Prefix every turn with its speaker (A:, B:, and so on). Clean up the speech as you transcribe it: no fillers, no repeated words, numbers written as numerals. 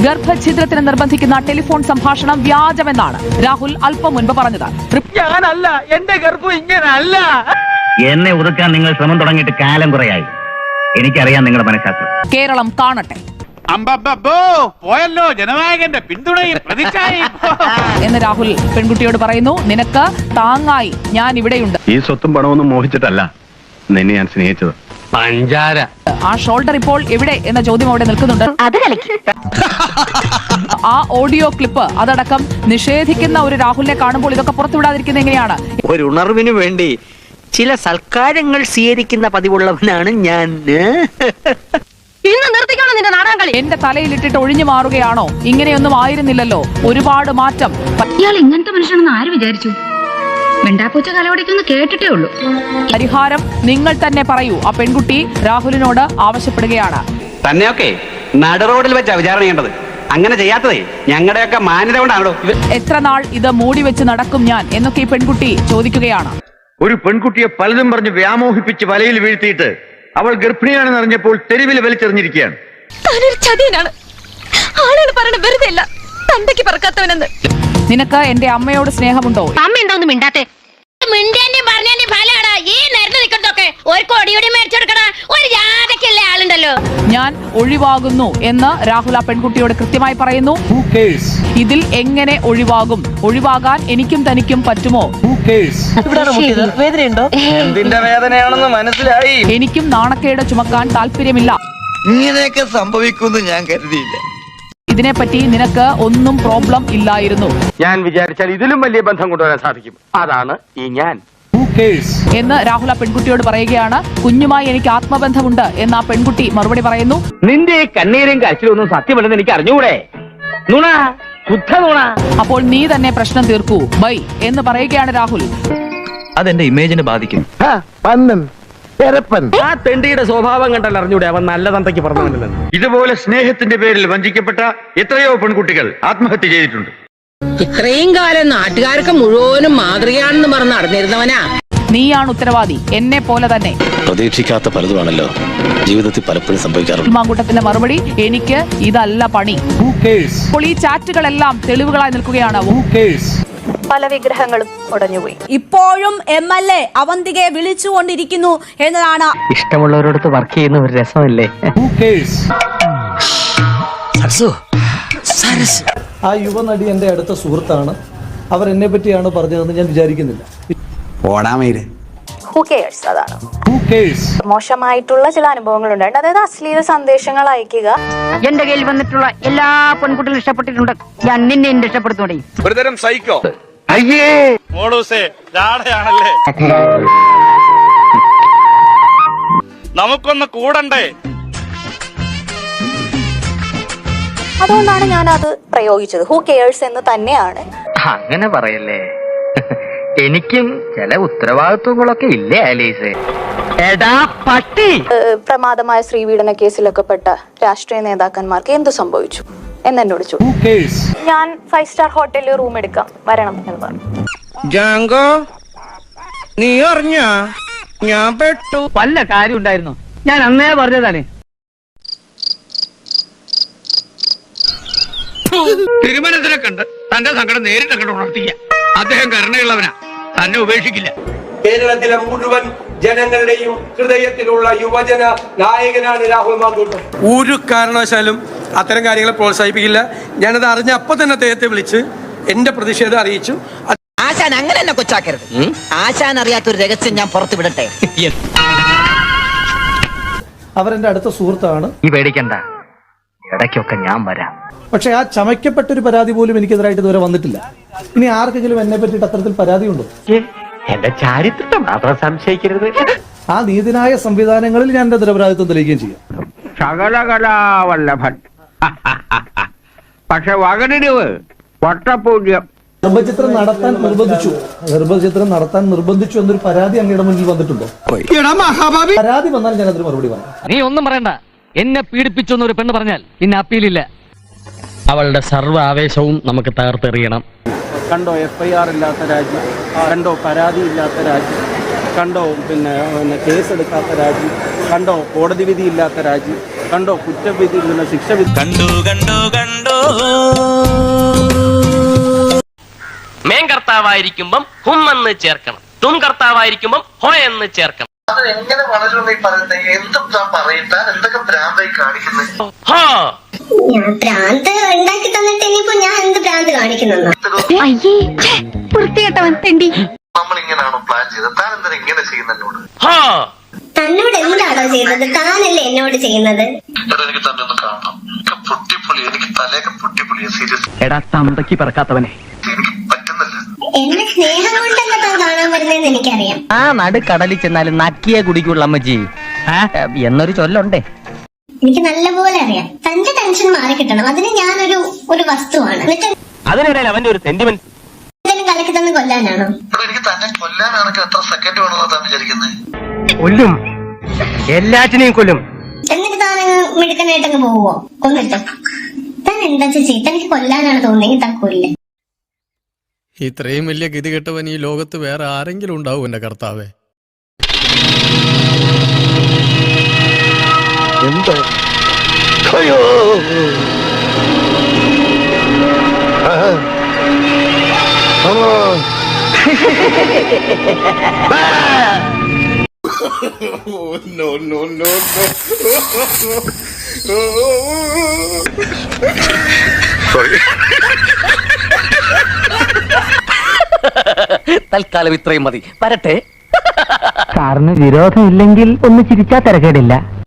A: ഗർഭഛിദ്രത്തിന് നിർബന്ധിക്കുന്ന telephone സംഭാഷണം വ്യാജമെന്നാണ് രാഹുൽ അല്പം മുൻപ് പറഞ്ഞത്.
B: ഞാനല്ല, എന്റെ ഗർഭം ഇങ്ങനല്ല.
C: എന്നെ ഒതുക്കാൻ നിങ്ങൾ ശ്രമം തുടങ്ങിയിട്ട് കാലം കുറയായി. എനിക്കറിയാം നിങ്ങളുടെ മനഃശാസ്ത്രം.
A: കേരളം കാണട്ടെ.
B: പോയല്ലോ ജനനായകന്റെ പിന്തുണയും പ്രതിച്ഛായയും
A: എന്ന് രാഹുൽ പെൺകുട്ടിയോട് പറയുന്നു. നിനക്ക് താങ്ങായി ഞാൻ ഇവിടെയുണ്ട്.
D: ഈ സ്വത്തും പണമൊന്നും മോഹിച്ചിട്ടല്ല നിന്നെ ഞാൻ സ്നേഹിച്ചത്.
B: പഞ്ചാര.
A: ആ ഷോൾഡർ ഇപ്പോൾ എവിടെ എന്ന ചോദ്യം അവിടെ നിൽക്കുന്നുണ്ട്. ആ ഓഡിയോ ക്ലിപ്പ് അതടക്കം നിഷേധിക്കുന്ന ഒരു രാഹുലിനെ കാണുമ്പോൾ ഇതൊക്കെ പുറത്തുവിടാതിരിക്കുന്നത് എങ്ങനെയാണ്?
E: ഒരു ഉണർവിന് വേണ്ടി ചില സൽക്കാരങ്ങൾ സ്വീകരിക്കുന്ന പതിവുള്ളവനാണ് ഞാൻ.
A: എന്റെ തലയിലിട്ടിട്ട് ഒഴിഞ്ഞു മാറുകയാണോ? ഇങ്ങനെയൊന്നും ആയിരുന്നില്ലല്ലോ, ഒരുപാട് മാറ്റം.
F: ഇയാൾ ഇങ്ങനത്തെ മനുഷ്യനാണെന്ന് ആര് വിചാരിച്ചു? വെണ്ടാപ്പൂച്ച കലവടിക്കൊന്ന് കേട്ടിട്ടേ ഉള്ളൂ.
A: പരിഹാരം നിങ്ങൾ തന്നെ പറയൂ. ആ പെൺകുട്ടി രാഹുലിനോട് ആവശ്യപ്പെടുകയാണ്.
G: തന്നെയൊക്കെ നട റോഡിൽ വെച്ചാ വിചാരണ ചെയ്യേണ്ടത്. അങ്ങനെ ചെയ്യാത്തതേ ഞങ്ങളുടെയൊക്കെ മാന്യത കൊണ്ടാണല്ലോ.
A: എത്ര നാൾ ഇത് മൂടി വെച്ച് നടക്കും ഞാൻ എന്നൊക്കെ ഈ പെൺകുട്ടി ചോദിക്കുകയാണ്.
D: ഒരു പെൺകുട്ടിയെ പലതും പറഞ്ഞ് വ്യാമോഹിപ്പിച്ച് വലയിൽ വീഴ്ത്തിയിട്ട് അവൾ ഗർഭിണിയാണെന്ന് അറിഞ്ഞപ്പോൾ തെരുവിൽ വലിച്ചെറിഞ്ഞിരിക്കുകയാണ്.
A: നിനക്ക് എന്റെ അമ്മയോട് സ്നേഹമുണ്ടോ?
F: അമ്മ എന്താ മിണ്ടാത്തെ?
A: ഞാൻ ഒഴിവാകുന്നു എന്ന് രാഹുൽ ആ പെൺകുട്ടിയോട് കൃത്യമായി പറയുന്നു. ഇതിൽ എങ്ങനെ ഒഴിവാകും? ഒഴിവാകാൻ എനിക്കും തനിക്കും പറ്റുമോ?
E: വേദനയുണ്ടോ?
B: എന്തിന്റെ വേദനയാണെന്ന് മനസ്സിലായി.
A: എനിക്കും നാണക്കേട് ചുമക്കാൻ താല്പര്യമില്ല.
H: ഇങ്ങനെയൊക്കെ സംഭവിക്കുമെന്ന് ഞാൻ കരുതിയില്ല.
A: ഇതിനെപ്പറ്റി നിനക്ക് ഒന്നും പ്രോബ്ലം ഇല്ലായിരുന്നു.
B: ഞാൻ വിചാരിച്ചാൽ ഇതിലും വലിയ ബന്ധം കൊണ്ടുവരാൻ സാധിക്കും. അതാണ് ഈ ഞാൻ
A: എന്ന് രാഹുൽ ആ പെൺകുട്ടിയോട് പറയുകയാണ്. കുഞ്ഞുമായി എനിക്ക് ആത്മബന്ധമുണ്ട് എന്ന് ആ പെൺകുട്ടി മറുപടി പറയുന്നു.
G: നിന്റെ കണ്ണീരും കരച്ചിലും ഒന്നും സത്യമല്ലെന്ന് എനിക്ക് അറിഞ്ഞൂടെ? നുണ, ശുദ്ധ നുണ.
A: അപ്പോൾ നീ തന്നെ പ്രശ്നം തീർക്കൂ ബൈ എന്ന് പറയുകയാണ് രാഹുൽ.
E: അതെന്റെ ഇമേജിനെ ബാധിക്കും.
G: ആ തെണ്ടിയുടെ സ്വഭാവം കണ്ടല്ല അറിഞ്ഞൂടെ അവൻ നല്ല തന്തയ്ക്ക് പറഞ്ഞില്ലെന്ന്.
D: ഇതുപോലെ സ്നേഹത്തിന്റെ പേരിൽ വഞ്ചിക്കപ്പെട്ട എത്രയോ പെൺകുട്ടികൾ ആത്മഹത്യ ചെയ്തിട്ടുണ്ട്.
I: ഇത്രയും കാലം നാട്ടുകാർക്ക് മുഴുവനും മാതൃകയാണെന്ന് പറഞ്ഞ് നടന്നിരുന്നവനാ.
A: നീയാണ് ഉത്തരവാദി, എന്നെ പോലെ തന്നെ.
H: പ്രതീക്ഷിക്കാത്ത പലതുമാണല്ലോ ജീവിതത്തിൽ പലപ്പോഴും സംഭവിക്കാറുണ്ട്.
A: മാങ്കൂട്ടത്തിന്റെ മറുപടി, എനിക്ക് ഇതല്ല പണി. അപ്പോൾ ഈ ചാറ്റുകളെല്ലാം തെളിവുകളായി നിൽക്കുകയാണ്.
J: പല വിഗ്രഹങ്ങളും ഉടഞ്ഞുപോയി. ഇപ്പോഴും MLA അവന്തികയെ വിളിച്ചുകൊണ്ടിരിക്കുന്നു എന്നതാണ്.
E: ഇഷ്ടമുള്ളവരോടത്ത് വർക്ക് ചെയ്യുന്ന ഒരു രസമല്ലേ?
K: ആ യുവനടി എന്റെ അടുത്ത സുഹൃത്താണ്. അവർ എന്നെ പറ്റിയാണ് പറഞ്ഞതെന്ന് ഞാൻ വിചാരിക്കുന്നില്ല.
J: അതാണ് മോശമായിട്ടുള്ള ചില അനുഭവങ്ങൾ ഉണ്ടായിട്ട്, അതായത് അശ്ലീല സന്ദേശങ്ങൾ അയക്കുക.
F: എന്റെ കയ്യിൽ വന്നിട്ടുള്ള എല്ലാ പെൺകുട്ടികളും ഇഷ്ടപ്പെട്ടിട്ടുണ്ട്. ഞാൻ നിന്നെ ഇഷ്ടപ്പെടുത്തോടെ.
B: ഒരുതരം സൈക്കോ. അയ്യേ മോളൂസേ ജാടയാണല്ലേ. നമുക്കൊന്ന് കൂടണ്ടേ?
J: അതുകൊണ്ടാണ് ഞാൻ അത് പ്രയോഗിച്ചത്. ഹൂ കെയേഴ്സ് എന്ന് തന്നെയാണ്.
E: അങ്ങനെ പറയല്ലേ, എനിക്കും ചില ഉത്തരവാദിത്വങ്ങളൊക്കെ ഇല്ലേ ആലീസ്? എടാ പട്ടി.
J: പ്രമാദമായ സ്ത്രീപീഡന കേസിലൊക്കെ പെട്ട രാഷ്ട്രീയ നേതാക്കന്മാർക്ക് എന്ത് സംഭവിച്ചു എന്നെന്നോട് ചോദിച്ചു. ഞാൻ 5 സ്റ്റാർ ഹോട്ടലിൽ റൂം എടുക്കാം, വരണം എന്ന് പറഞ്ഞു.
E: ജാങ്കോ, നീ അറിഞ്ഞ ഞാൻ പെട്ടു. വല്ല കാര്യം ഉണ്ടായിരുന്നു? ഞാൻ അന്നേ പറഞ്ഞതാണ്.
G: തിരുമനത്തിനെ കണ്ട് തന്റെ സങ്കടം നേരിട്ട് കണ്ട് ഉണർത്തിക്കുക. അദ്ദേഹം കരുണയുള്ളവനാ, തന്നെ ഉപേക്ഷിക്കില്ല.
B: കേരളത്തിലെ മുഴുവൻ ജനങ്ങളുടെയും ഹൃദയത്തിലുള്ള യുവജന നായകനാണ് രാഹുൽ മാങ്കൂട്ടം. ഒരു കാരണവശാലും അത്തരം കാര്യങ്ങളെ പ്രോത്സാഹിപ്പിക്കില്ല. ഞാനത് അറിഞ്ഞ അപ്പൊ തന്നെ അദ്ദേഹത്തെ വിളിച്ച് എന്റെ പ്രതിഷേധം അറിയിച്ചു.
E: ആശാൻ അങ്ങനെ എന്നെ കൊച്ചാക്കരുത്. ആശാൻ അറിയാത്തൊരു രഹസ്യം ഞാൻ പുറത്തു വിടട്ടെ.
K: അവരെന്റെ അടുത്ത സുഹൃത്താണ്.
E: ഈ പേടിക്കണ്ട, ഇടയ്ക്കൊക്കെ ഞാൻ വരാം.
K: പക്ഷെ ആ ചമയ്ക്കപ്പെട്ടൊരു പരാതി പോലും എനിക്കെതിരായിട്ട് ഇതുവരെ വന്നിട്ടില്ല. ഇനി ആർക്കെങ്കിലും എന്നെ പറ്റിയിട്ട് അത്തരത്തിൽ പരാതി ഉണ്ടോ?
G: എന്റെ ചാരിത്രം മാത്രം സംശയിക്കരുത്.
K: ആ നീതിന്യായ സംവിധാനങ്ങളിൽ ഞാൻ എന്റെ നിരപരാധിത്വം തെളിയിക്കുകയും ചെയ്യും.
G: ശകലകലാവല്ലഭൻ. പക്ഷെ വകനിടിവ് വട്ടപൂജ്യം.
K: ഗർഭചിത്രം നടത്താൻ നിർബന്ധിച്ചു എന്നൊരു പരാതി അങ്ങയുടെ മുന്നിൽ വന്നിട്ടുണ്ടോ? പരാതി വന്നാൽ ഞാൻ അതിന് മറുപടി പറയാം.
E: നീ ഒന്നും പറയണ്ട. എന്നെ പീഡിപ്പിച്ചു എന്നൊരു പെണ്ണ് പറഞ്ഞാൽ പിന്നെ അപ്പീലില്ല. അവളുടെ സർവ്വ ആവേശവും നമുക്ക് തകർത്തെറിയണം.
K: കണ്ടോ FIR ഇല്ലാത്ത രാജ്യം, കണ്ടോ പരാതി ഇല്ലാത്ത രാജ്യം, കണ്ടോ പിന്നെ കേസെടുക്കാത്ത രാജ്യം, കണ്ടോ കോടതി വിധി ഇല്ലാത്ത രാജ്യം, കണ്ടോ കുറ്റവിധി ശിക്ഷ വിധി.
H: കണ്ടു
E: കർത്താവായിരിക്കുമ്പം ഹും എന്ന് ചേർക്കണം, തും കർത്താവായിരിക്കുമ്പം ഹോ എന്ന് ചേർക്കണം.
H: അത് എങ്ങനെ വളരുമെന്ന് പറയുന്നത്? എന്തും താൻ പറയത്താൻ എന്തൊക്കെ ഭ്രാന്തായി കാണിക്കുന്നത്?
E: ഹോ
F: ഭ്രാന്ത് ഉണ്ടാക്കി തന്നിട്ട് ഇനിയിപ്പോ ഞാൻ എന്ത് ഭ്രാന്ത് കാണിക്കുന്നു? അയ്യേ വൃത്തികെട്ടവൻ തെണ്ടി.
H: നമ്മൾ ഇങ്ങനെയാണോ പ്ലാൻ ചെയ്തത്? താൻ എന്തിനാ ഇങ്ങനെ ചെയ്യുന്നതിനോട്?
E: ഹോ
F: തന്നോട് എന്താണോ ചെയ്യുന്നത്? താനല്ലേ എന്നോട് ചെയ്യുന്നത്?
H: എനിക്ക് തന്നെ ഒന്ന് കാണണം. പൊട്ടിപ്പൊളി, എനിക്ക് തലയൊക്കെ പൊട്ടിപ്പൊളിയ. സീരിയസ്,
E: എടാ തന്തയ്ക്ക് പിറക്കാത്തവനെ.
H: എനിക്ക് പറ്റുന്നില്ല.
F: എന്നെ സ്നേഹം കൊണ്ടല്ല താൻ കാണാൻ വരുന്നതെന്ന് എനിക്കറിയാം.
E: ആ നടുക്കടലിൽ ചെന്നാലും നക്കിയെ കുടിക്കുള്ള അമ്മജി എന്നൊരു ചൊല്ലുണ്ടേ.
F: എനിക്ക് നല്ലപോലെ അറിയാം. തന്റെ ടെൻഷൻ മാറി കിട്ടണം, അതിന് ഞാനൊരു വസ്തുവാണ്. എന്നിട്ട്
E: അതിനിടയിൽ അവന്റെ ഒരു സെന്റിമെന്റ്
F: എന്തെങ്കിലും കലക്കി തന്ന് കൊല്ലാനാണോ?
H: എനിക്ക് തന്നെ കൊല്ലാനാണെങ്കിൽ എത്ര സെക്കൻഡ് വേണമെന്നാ താൻ വിചാരിക്കുന്നത്?
E: കൊല്ലും, എല്ലാറ്റിനെയും കൊല്ലും.
F: എന്നിട്ട് താനങ്ങ് മിടുക്കനായിട്ടങ്ങ് പോവോ കൊന്നിട്ട്? താൻ എന്താ ചേച്ചി, തനിക്ക് കൊല്ലാനാണ് തോന്നിയെങ്കിൽ താൻ കൊല്ലേ.
K: ഇത്രയും വലിയ ഗതികെട്ടവൻ ഈ ലോകത്ത് വേറെ ആരെങ്കിലും ഉണ്ടാവും എന്റെ കർത്താവേ?
H: എന്താ?
E: തൽക്കാലം ഇത്രയും മതി, വരട്ടെ.
I: സാറിന് വിരോധമില്ലെങ്കിൽ ഒന്ന് ചിരിച്ചാ തിരക്കേടില്ല.